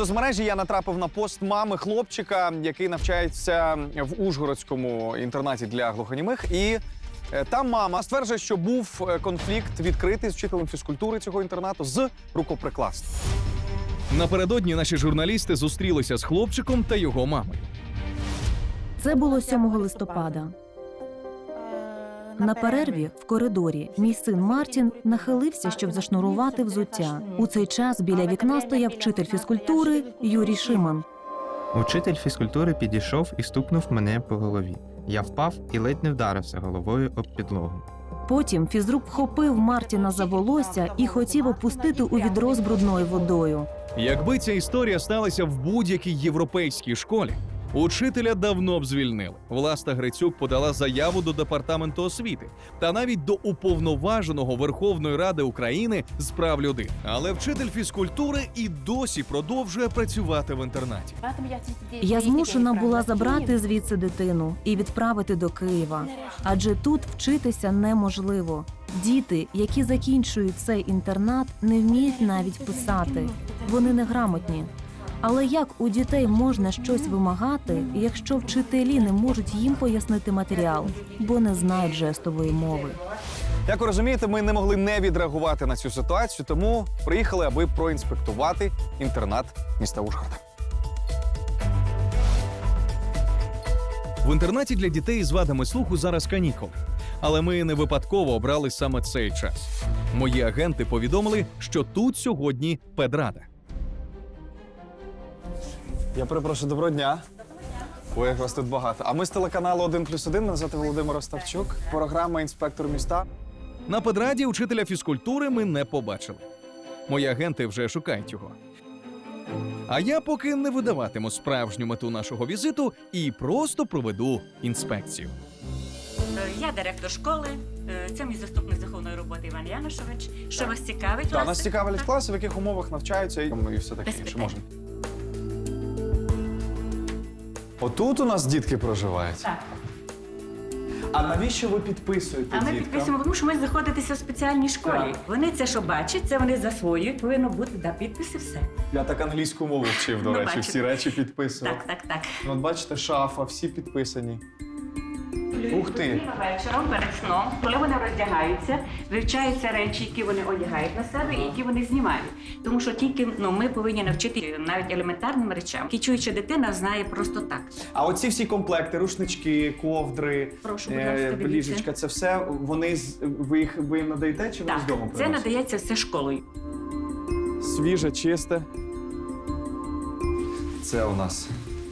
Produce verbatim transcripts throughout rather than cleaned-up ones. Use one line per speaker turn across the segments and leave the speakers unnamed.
соцмережі я натрапив на пост мами хлопчика, який навчається в Ужгородському інтернаті для глухонімих. І е, там мама стверджує, що був е, конфлікт відкритий з вчителем фізкультури цього інтернату з рукоприкладства.
Напередодні наші журналісти зустрілися з хлопчиком та його мамою.
Це було сьомого листопада. На перерві в коридорі мій син Мартін нахилився, щоб зашнурувати взуття. У цей час біля вікна стояв вчитель фізкультури Юрій Шиман.
Учитель фізкультури підійшов і стукнув мене по голові. Я впав і ледь не вдарився головою об підлогу.
Потім фізрук вхопив Мартіна за волосся і хотів опустити у відро з брудною водою.
Якби ця історія сталася в будь-якій європейській школі, учителя давно б звільнили. Власта Грицюк подала заяву до Департаменту освіти та навіть до Уповноваженого Верховної Ради України з прав людини. Але вчитель фізкультури і досі продовжує працювати в інтернаті.
Я змушена була забрати звідси дитину і відправити до Києва. Адже тут вчитися неможливо. Діти, які закінчують цей інтернат, не вміють навіть писати. Вони неграмотні. Але як у дітей можна щось вимагати, якщо вчителі не можуть їм пояснити матеріал, бо не знають жестової мови?
Як ви розумієте, ми не могли не відреагувати на цю ситуацію, тому приїхали, аби проінспектувати інтернат міста Ужгорода.
В інтернаті для дітей з вадами слуху зараз канікули. Але ми не випадково обрали саме цей час. Мої агенти повідомили, що тут сьогодні педрада.
Я перепрошую, доброго дня. Ой, як вас тут багато. А ми з телеканалу один плюс один, мене звати Володимир Остапчук, програма «Інспектор міста».
На педраді учителя фізкультури ми не побачили. Мої агенти вже шукають його. А я поки не видаватиму справжню мету нашого візиту і просто проведу інспекцію.
Я директор школи, це мій заступник з духовної роботи Іван Янушович. Що вас цікавить?
Так, нас цікавлять класи, в яких умовах навчаються і, і все таке
Без
інше.
питань.
Можна. Отут у нас дітки проживають.
Так.
А навіщо ви підписуєте
А ми
діткам?
підписуємо, тому що ми знаходитися в спеціальній школі.
Так.
Вони це, що бачать, це вони засвоюють, повинно бути, да, підписи, все.
Я так англійську мову вчив, до
Ну,
речі,
бачите.
всі речі підписував.
Так, так, так.
Ну, от бачите, шафа, всі підписані. Ух ти!
Вечором перед сном, коли вони роздягаються, вивчаються речі, які вони одягають на себе і які вони знімають. Тому що тільки ну, ми повинні навчити навіть елементарним речам, які чуюча дитина знає просто так.
А оці всі комплекти, рушнички, ковдри,
Прошу, будь
е,
ласка, дивіться.
ліжечка, це все вони з- ви їх ви їм надаєте чи вони з
Так,
дому
це
приносять?
надається все школою.
Свіже, чисте. Це у нас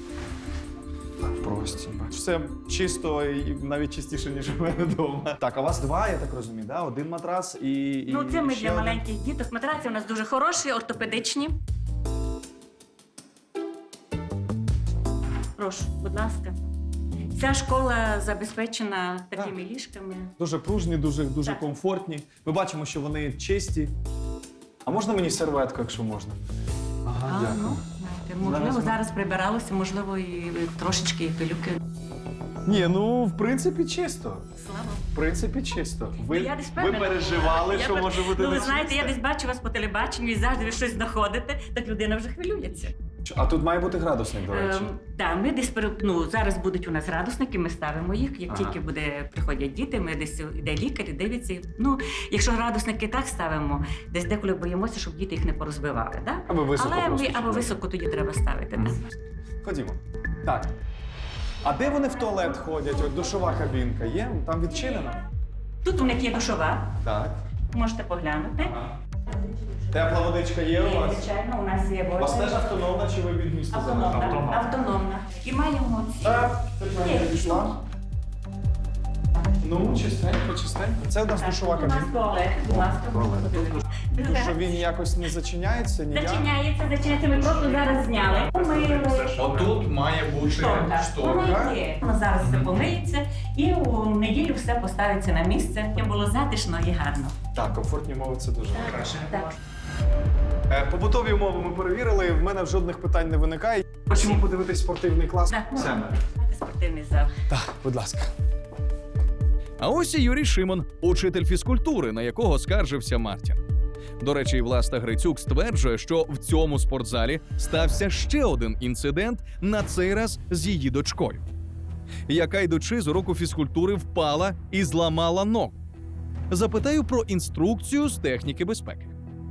прості. Все чисто і навіть чистіше, ніж у мене вдома. Так, а у вас два, я так розумію, да? Один матрас і, і
Ну, це ми
ще
для
один?
маленьких діток. Матраці у нас дуже хороші, ортопедичні. Прошу, будь ласка. Ця школа забезпечена такими ліжками.
Дуже пружні, дуже, дуже
Так.
комфортні. Ми бачимо, що вони чисті. А можна мені серветку, якщо можна? Ага,
А,
дякую.
ну, знаєте, можливо,
Зараз ми-
зараз прибиралося, можливо, і трошечки і пилюки.
Ні, ну, в принципі, чисто.
Слава.
В принципі, чисто. Ви,
Я десь
ви
впевнена.
переживали,
Я
що
пер-
може бути
Ну, ви
не
знаєте, я
чисте?
десь бачу вас по телебаченню і завжди ви щось знаходите, так людина вже хвилюється.
А тут має бути градусник, до речі.
Ем, так, ми десь пере- ну, зараз будуть у нас градусники, ми ставимо їх. Як
Ага.
тільки буде приходять діти, ми десь іде лікар і дивиться. Ну, якщо градусники так ставимо, десь деколи боїмося, щоб діти їх не порозбивали. Да?
Або високо
Але
просто,
ми, або
щоб-
високо тоді треба ставити.
Мгм.
Так.
Ходімо. Так. А де вони в туалет ходять? От душова кабінка є? Там відчинено?
Тут у них є душова,
Так.
можете поглянути.
Ага. Тепла водичка є у
Є,
вас?
звичайно, у нас є
У вас теж
вода.
автономна чи ви від міста
Автономна,
залежите?
автономна. І маємо ці.
Так, тут
Є.
мене підійшла. Ну, чистенько, чистенько. Це у нас
Так,
душова
тут у нас
кабінка.
туалет, будь ласка,
туалет.
подивіться.
Що він якось не зачиняється, ніяк?
Зачиняється, зачиняється, ми просто зараз зняли. Помили.
Отут має бути
Шторка.
шторка.
Воно є. Воно зараз все помиється і у неділю все поставиться на місце. Щоб було затишно і гарно.
Так, комфортні умови це дуже краще.
Так.
Е, Побутові умови ми перевірили, в мене жодних питань не виникає. Хочемо подивитись спортивний клас.
Так.
Все.
Спортивний зал.
Так, будь ласка.
А ось і Юрій Шимон, учитель фізкультури, на якого скаржився Мартін. До речі, Власта Грицюк стверджує, що в цьому спортзалі стався ще один інцидент, на цей раз з її дочкою, яка, йдучи з уроку фізкультури, впала і зламала ногу. Запитаю про інструкцію з техніки безпеки.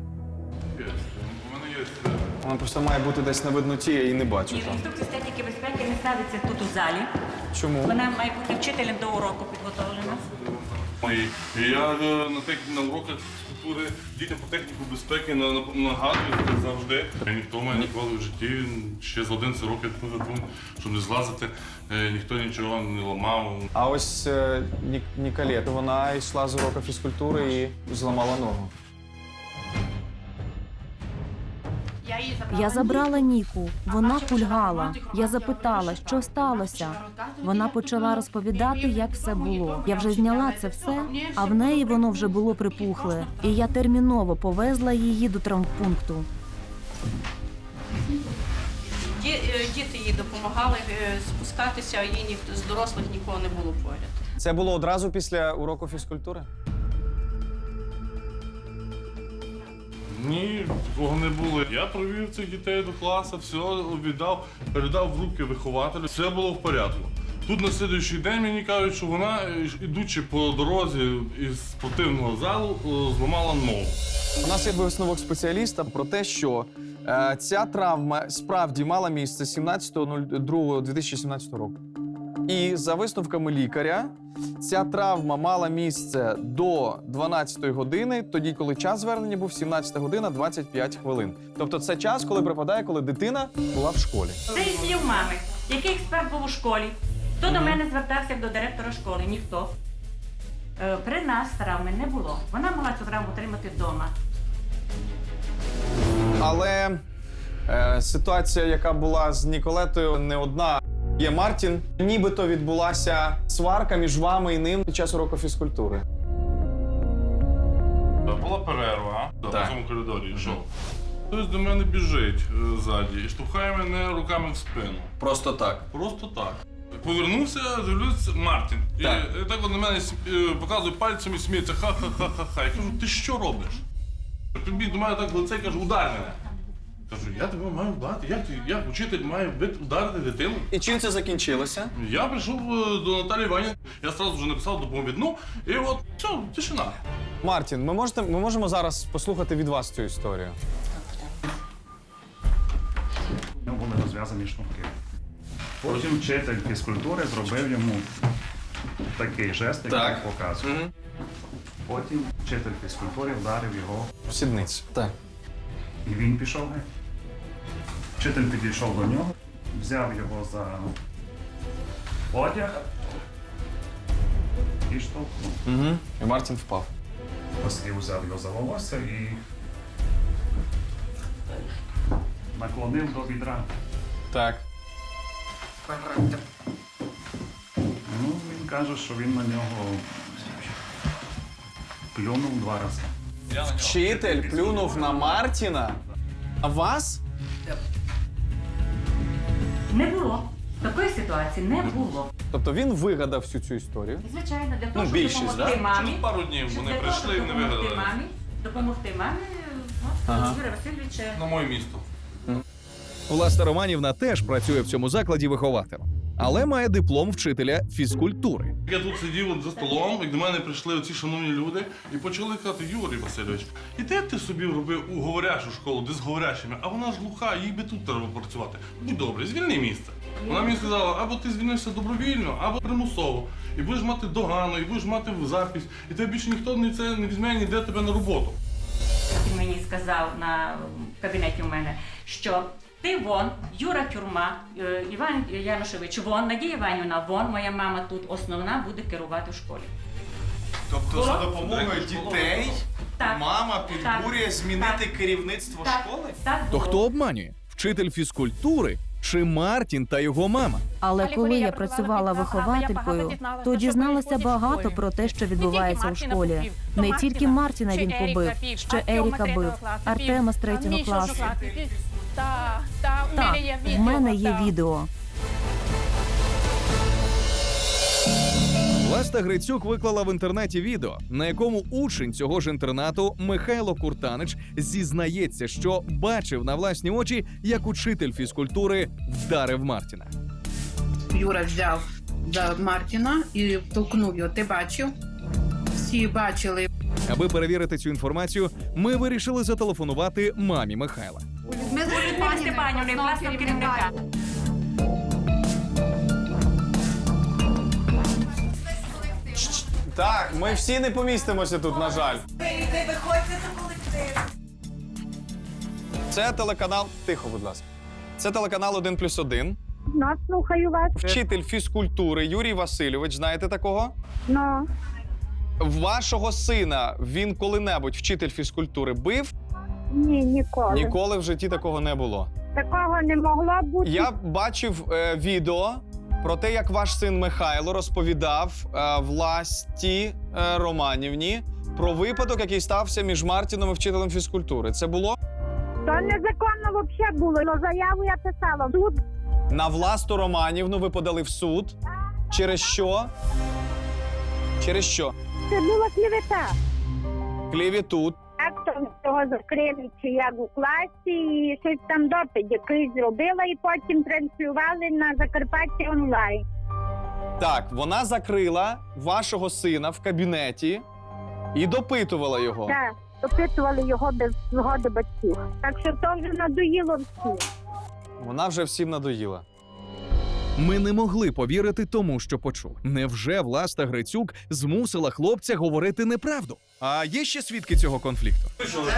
Вона просто має бути десь на видноті, я її не бачу.
Ні,
там.
інструкція з техніки безпеки не ставиться тут у залі.
Чому?
Вона має бути вчителем до уроку підготовлена.
І, і я е, на, тех, на уроках фізкультури дітям по техніку безпеки на- на- нагадую завжди. Ніхто мене ніколи в житті, ще з одинадцяти років, щоб не злазити, е, ніхто нічого не ламав.
А ось е, Ні- Ніколет, вона йшла з уроку фізкультури і зламала ногу.
Я забрала Ніку. Вона кульгала. Я запитала, що сталося. Вона почала розповідати, як все було. Я вже зняла це все, а в неї воно вже було припухле. І я терміново повезла її до травмпункту.
Ді- е, Діти їй допомагали е, спускатися, а їй ніхто з дорослих нікого не було поряд.
Це було одразу після уроку фізкультури?
Ні, такого не було. Я провів цих дітей до класу, все віддав, передав в руки вихователю. Все було в порядку. Тут на слідуючий день мені кажуть, що вона, е, ідучи по дорозі із спортивного залу, е, зламала ногу.
У нас є висновок спеціаліста про те, що е, ця травма справді мала місце сімнадцятого другого дві тисячі сімнадцятого року. І за висновками лікаря, ця травма мала місце до дванадцятої години, тоді, коли час звернення був сімнадцята година двадцять п'ять хвилин. Тобто це час, коли припадає, коли дитина була в школі.
Це із слів мами. Який експерт був у школі? Хто до мене звертався як до директора школи? Ніхто. Е, При нас травми не було. Вона могла цю травму отримати вдома.
Але е, ситуація, яка була з Ніколетою, не одна. Є Мартін. Нібито відбулася сварка між вами і ним під час уроку фізкультури.
Була перерва
Так.
в цьому коридорі, йшов. Хтось до мене біжить е, ззаді і штовхає мене руками в спину.
Просто так.
Просто так. Повернувся, дивлюсь, Мартін. І,
Так.
і так от на мене см- е, показує пальцем і сміється. Ха-ха-ха-ха-ха. Я кажу, ти що робиш? Підбіг до мене так в лице і каже, удар мене. Кажу, я тебе маю вдарити. Як, ти- як учитель має бити- ударити дитину?
І чим це закінчилося?
Я прийшов е, до Наталії Іванівни, я одразу вже написав доповідну, і от все, тишина.
Мартін, ми, можете, ми можемо зараз послухати від вас цю історію.
У нього були розв'язані шнурки. Потім вчитель фізкультури зробив йому такий жест, який
Так.
він показує.
Угу.
Потім вчитель фізкультури вдарив його,
В сідниці. Так.
і він пішов геть. Вчитель підійшов до нього, взяв його за одяг і штовхнув.
Угу. І Мартін впав.
Послів взяв його за волосся і наклонив до відра.
Так.
Ну, він каже, що він на нього плюнув два рази.
Вчитель плюнув на Мартіна. А вас?
Не було. Такої ситуації не було.
Тобто він вигадав всю цю історію.
І, звичайно, для того,
Ну,
щоб
більшість,
допомогти
да?
мамі.
Через пару днів
щоб
вони
для того,
прийшли і
щоб
не
допомогти
вигадали.
мамі, допомогти мамі, от,
Ага.
Юрій Васильович.
На моє місто.
Власта Романівна теж працює в цьому закладі вихователем, але має диплом вчителя фізкультури.
Я тут сидів от за столом, і до мене прийшли оці шановні люди і почали казати, Юрій Васильович, і де ти собі робив у говорящу школу, де з говорящими, а вона ж глуха, їй би тут треба працювати. Будь добре, звільни місце. Вона мені сказала, або ти звільнишся добровільно, або примусово. І будеш мати догану, і будеш мати запись, і тебе більше ніхто не, це, не візьме ніде тебе на роботу.
Він мені сказав на в кабінеті у мене, що ти вон, Юра Тюрма, е, Іван Янушевич вон, Надія Іванівна вон, моя мама тут основна буде керувати в школі.
Тобто
за
допомогою
дітей Так.
мама
підбурює
змінити
Так.
керівництво
Так, так
То
було.
хто обманює? Вчитель фізкультури чи Мартін та його мама?
Але коли я працювала вихователькою, то дізналася багато про те, що відбувається у школі. Не тільки Мартіна він побив, ще Еріка бив, Артема з третього класу. Так, в мене є відео.
Власта Грицюк виклала в інтернеті відео, на якому учень цього ж інтернату Михайло Куртанич зізнається, що бачив на власні очі, як учитель фізкультури вдарив Мартіна.
Юра взяв за Мартіна і толкнув його. Ти бачив? Всі бачили.
Аби перевірити цю інформацію, ми вирішили зателефонувати мамі Михайла.
Людмила Степанівна, власного керівника.
Так, ми всі не помістимося тут, на жаль. Це телеканал. Тихо, будь ласка. Це телеканал один плюс один.
Ну, слухаю вас.
Вчитель фізкультури Юрій Васильович. Знаєте такого?
Ну,
Вашого сина він коли-небудь вчитель фізкультури бив?
ні, ніколи.
Ніколи в житті такого не було.
Такого не могло бути.
Я бачив е, відео про те, як ваш син Михайло розповідав е, Власті е, Романівні про випадок, який стався між Мартіном і вчителем фізкультури. Це було?
То незаконно взагалі було. Ну, заяву я писала. Тут
На Власту Романівну ви подали в суд. Через що? Через що?
це була клівета.
Клівіту.
Актор цього закрили, чи як у класі, і щось там допит якийсь зробила, і потім транслювали на Закарпаття онлайн.
Так, вона закрила вашого сина в кабінеті і допитувала його.
Так, допитували його без згоди батьків. Так що то вже надоїло всім.
Вона вже всім надоїла.
Ми не могли повірити тому, що почули. Невже Власта Грицюк змусила хлопця говорити неправду? А є ще свідки цього конфлікту?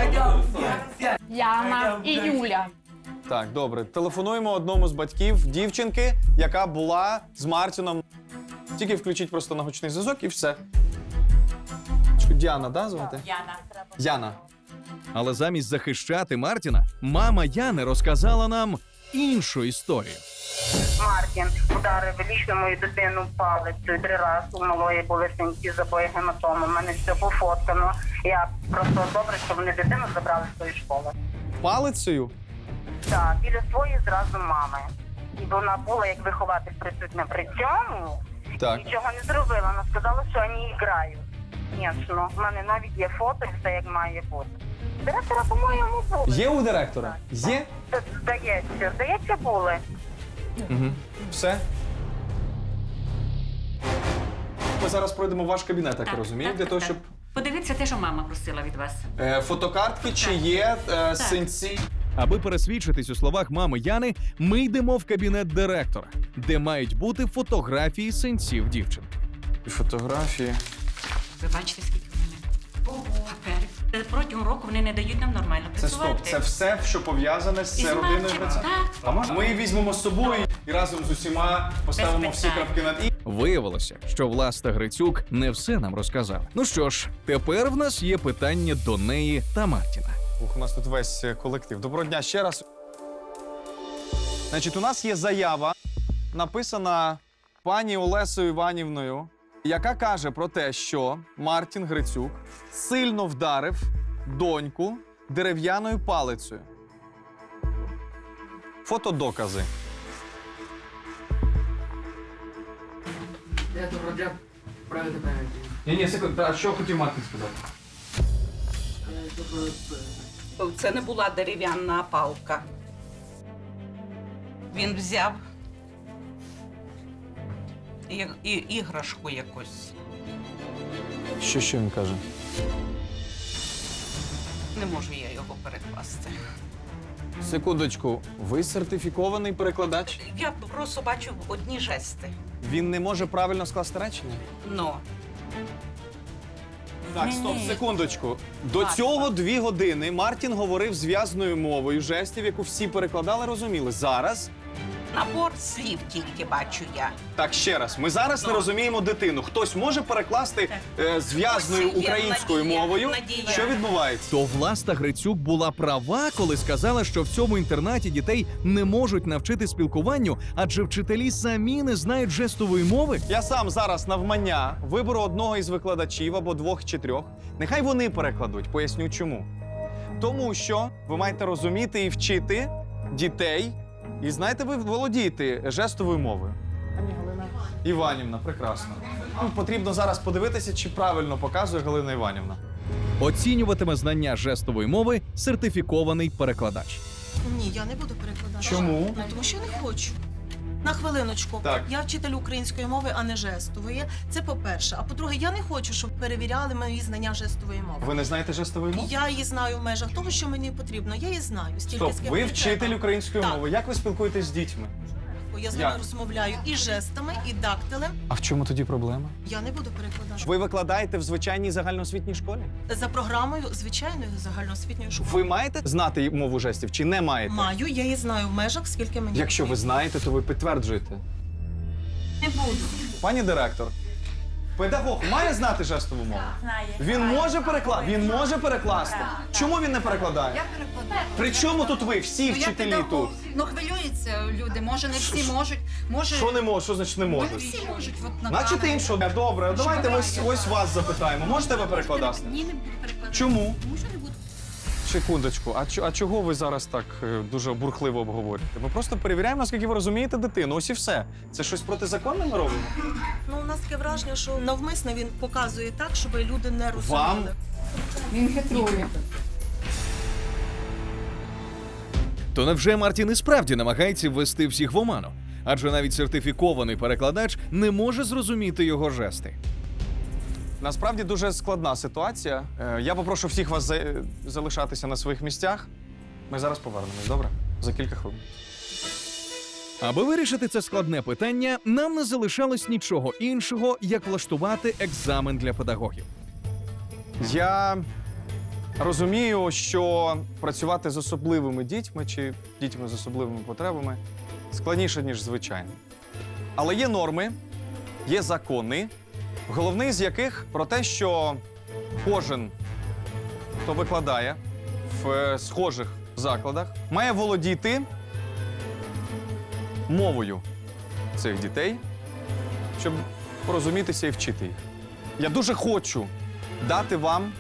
Яна і Юля.
Так, добре. Телефонуємо одному з батьків дівчинки, яка була з Мартіном. Тільки включіть просто на гучний зв'язок і все. Діана, да, звати?
Яна.
Яна.
Але замість захищати Мартіна, мама Яни розказала нам іншу історію.
Мартін ударив лічно мою дитину палицею три рази. У малої були синці, забої, гематоми. У мене все пофоткано. Я просто добре, що вони дитину забрали з тої школи.
Палицею?
Так, біля своєї зразу мами. І вона була як вихователь присутня при цьому.
Так.
Нічого не зробила. Вона сказала, що вони грають. Звісно, в мене навіть є фото, і все як має бути. Директора, по-моєму, було.
Є у директора? Є?
Здається, здається, були.
Угу. Все? Ми зараз пройдемо в ваш кабінет, так, я розумію, для того, щоб...
Подивіться те, що мама просила від вас.
Е, фотокартки, чи є е, синці?
Аби пересвідчитись у словах мами Яни, ми йдемо в кабінет директора, де мають бути фотографії синців дівчинки.
І фотографії.
Ви бачите, скільки в мене паперів. Е, Протягом року вони не дають нам нормально
Це
працювати.
стоп, це все, що пов'язане з
Із
це родиною
Мартіном,
праця.
так.
А можна? Ми її візьмемо з собою і разом з усіма поставимо
Без
всі
питань.
крапки над «і».
Виявилося, що Власта Грицюк не все нам розказала. Ну що ж, тепер в нас є питання до неї та Мартіна.
Ух, у нас тут весь е, колектив. Доброго дня ще раз. Значить, у нас є заява, написана пані Олесою Іванівною, яка каже про те, що Мартін Грицюк сильно вдарив доньку дерев'яною палицею. Фотодокази.
Я добро для правити пам'яті.
Ні, ні, секунду, а що хотів Мартін сказати?
Це не була дерев'яна палка. Він взяв і, і, іграшку якусь.
Що, що він каже?
Не можу я його перекласти.
Секундочку, ви сертифікований перекладач?
Я просто бачу одні жести.
Він не може правильно скласти речення?
Но.
Так, стоп,
Ні-ні.
секундочку. До
Так,
цього
так.
дві години Мартін говорив зв'язною мовою жестів, яку всі перекладали, розуміли. Зараз,
Набор слів тільки бачу я.
так ще раз, ми зараз не
Ну.
розуміємо дитину. Хтось може перекласти е, зв'язною
Ось є
українською
надія,
мовою?
надія.
Що відбувається?
То Власта Грицюк була права, коли сказала, що в цьому інтернаті дітей не можуть навчити спілкуванню, адже вчителі самі не знають жестової мови.
Я сам зараз навмання виберу одного із викладачів або двох чи трьох. Нехай вони перекладуть. Поясню чому. Тому що ви маєте розуміти і вчити дітей. І знаєте, ви володієте жестовою мовою. Іванівна, прекрасно. Нам потрібно зараз подивитися, чи правильно показує Галина Іванівна.
Оцінюватиме знання жестової мови сертифікований перекладач.
Ні, я не буду перекладати.
Чому?
Ну, тому що не хочу. На хвилиночку.
Так.
Я вчитель української мови, а не жестової. Це по-перше. А по-друге, я не хочу, щоб перевіряли мої знання жестової мови.
Ви не знаєте жестової мови?
Я її знаю в межах того, що мені потрібно. Я її знаю. Стільки,
Стоп,
скільки
ви
мені
вчитель
треба.
української
Так.
мови. Як ви спілкуєтесь з дітьми?
Я з ними
Як?
розмовляю і жестами, і дактилем.
А в чому тоді проблема?
Я не буду перекладати.
Ви викладаєте в звичайній загальноосвітній школі?
За програмою звичайної загальноосвітньої школи.
Ви маєте знати мову жестів чи не маєте?
Маю, я її знаю в межах, скільки мені.
Якщо ви знаєте, то ви підтверджуєте.
Не буду.
Пані директор, педагог має знати жестову мову?
Знає.
Він може перекласти? Він може перекласти? Чому він не перекладає?
Я перекладаю.
При чому тут ви, всі
Ну, я
вчителі
педагог.
тут?
Ну, хвилюються люди, може не всі можуть. Може,
Що не може? Що значить не
не
може?
всі можуть. От, на
Значить
камеру.
іншого. Добре, давайте ось, ось вас запитаємо. Можете ви перекладати?
Ні, не буду перекладати.
Чому?
Тому що не буду.
Секундочку, а, чо- а чого ви зараз так е, дуже бурхливо обговорюєте? Ми просто перевіряємо, наскільки ви розумієте дитину. Ось і все. Це щось протизаконне ми робимо?
Ну, у нас таке враження, що навмисно він показує так, щоб люди не розуміли.
Вам?
Він хитрує.
То невже Мартін і справді намагається ввести всіх в оману? Адже навіть сертифікований перекладач не може зрозуміти його жести.
Насправді дуже складна ситуація. Е, Я попрошу всіх вас за- залишатися на своїх місцях. Ми зараз повернемось, добре? За кілька хвилин.
Аби вирішити це складне питання, нам не залишалось нічого іншого, як влаштувати екзамен для педагогів.
Я розумію, що працювати з особливими дітьми чи дітьми з особливими потребами складніше, ніж звичайно. Але є норми, є закони, головний з яких про те, що кожен, хто викладає в е, схожих закладах, має володіти мовою цих дітей, щоб порозумітися і вчити їх. Я дуже хочу дати вам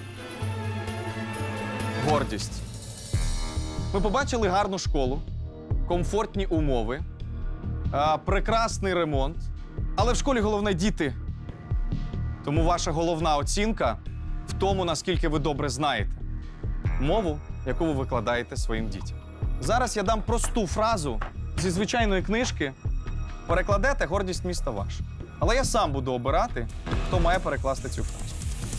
гордість. Ми побачили гарну школу, комфортні умови, а, прекрасний ремонт. Але в школі головне діти. Тому ваша головна оцінка в тому, наскільки ви добре знаєте мову, яку ви викладаєте своїм дітям. Зараз я дам просту фразу зі звичайної книжки. Перекладете «Гордість міста ваша». Але я сам буду обирати, хто має перекласти цю фразу.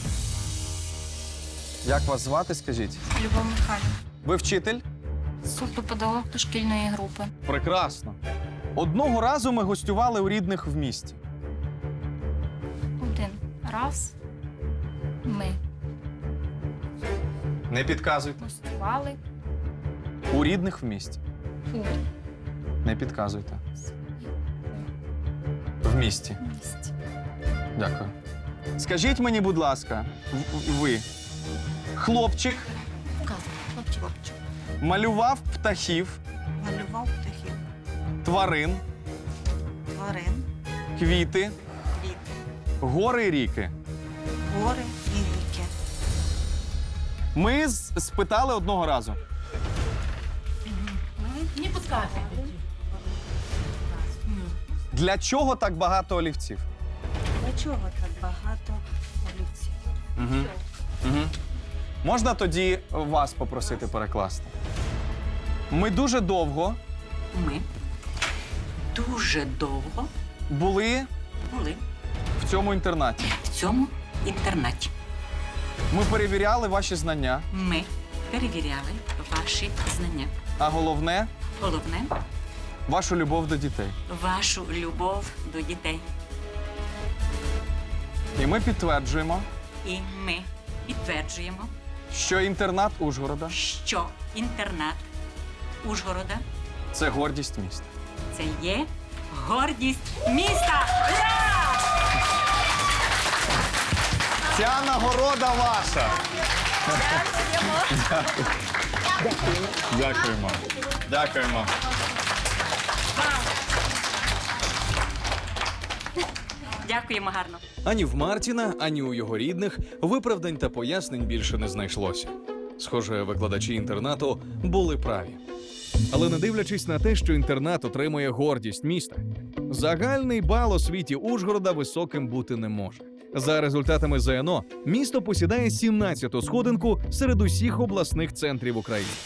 Як вас звати, скажіть?
Любов Михайлівна.
Ви вчитель?
Суперпедагог дошкільної групи.
Прекрасно. Одного разу ми гостювали у рідних в місті.
Один раз ми
Не підказуйте.
гостювали
У рідних в місті.
у
Не підказуйте. В місті.
місті.
Дякую. Скажіть мені, будь ласка, в- ви, хлопчик
Вказуй, хлопчик, хлопчик.
малював птахів,
Малював птахів,
тварин,
тварин,
квіти,
квіти,
гори і ріки.
гори і ріки.
Ми з- спитали одного разу.
Не підказуйте.
Для чого так багато олівців?
Для чого так багато олівців?
Угу. Угу. Можна тоді вас попросити перекласти? Ми дуже довго
Ми дуже довго
були
були
в цьому інтернаті.
в цьому інтернаті.
Ми перевіряли ваші знання,
Ми перевіряли ваші знання.
а головне
Головне
вашу любов до дітей.
вашу любов до дітей.
І ми підтверджуємо,
І ми підтверджуємо,
що інтернат Ужгорода
що інтернат Ужгорода
це гордість міста.
це є гордість міста. Ура!
Ця нагорода ваша. Дякуємо. Дякуємо. Дякуємо.
Дякуємо гарно.
Ані в Мартіна, ані у його рідних виправдань та пояснень більше не знайшлося. Схоже, викладачі інтернату були праві. Але не дивлячись на те, що інтернат отримує гордість міста, Загальний бал освіті Ужгорода високим бути не може. За результатами ЗНО, місто посідає сімнадцяту сходинку серед усіх обласних центрів України.